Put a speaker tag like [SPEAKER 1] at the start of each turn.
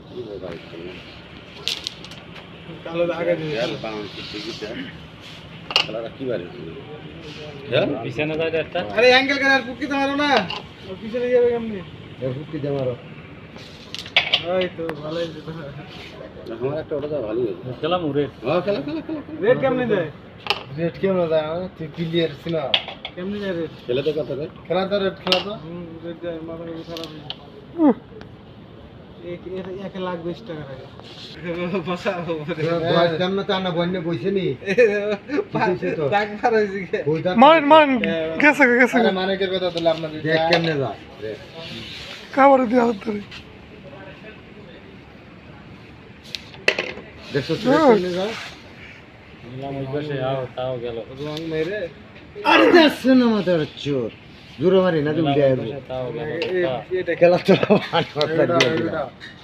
[SPEAKER 1] কালো আগে দিয়ে
[SPEAKER 2] পিছনে যায় একটা
[SPEAKER 1] আরে অ্যাঙ্গেল করে আর ফুটকিতে মারো না ও পিছনে যাবে কেমনি
[SPEAKER 3] ফুটকিতে মারো
[SPEAKER 1] ওই তো ভালোই যেতে
[SPEAKER 3] আমার একটা ওটা ভালোই হয়েছে
[SPEAKER 2] খেলাম রেড
[SPEAKER 3] খেলা
[SPEAKER 1] রেড কেমনি দেয়
[SPEAKER 3] রেড কেমন দেয় তুই ক্লিয়ার ছিল
[SPEAKER 1] কেমনি যায় রেড
[SPEAKER 3] খেলে তো কথা খেলা তো রেড খেলা তো
[SPEAKER 1] রেড যায় মাথা খারাপ হয়ে যায় এক লাখ 20 টাকা লাগে বসাবো
[SPEAKER 3] বয়স কেমন তো আনা বন্যে বইছে নি
[SPEAKER 1] দাগ পার হইছে
[SPEAKER 4] মান গেছে গেছে
[SPEAKER 3] আরে মানিকের কথা তো আপনাদের দেখ কেমনে যায়
[SPEAKER 4] কাবার দিয়ে হাত ধরে
[SPEAKER 3] দেখছো কেমনে যায়
[SPEAKER 2] নিলাম ওই পাশে আও তাও গেল
[SPEAKER 1] রং মেরে
[SPEAKER 3] আরে দেখছো না মাথার চোর জোরে মারি না তুমি
[SPEAKER 2] তাও গেল
[SPEAKER 1] এটা
[SPEAKER 3] খেলা তো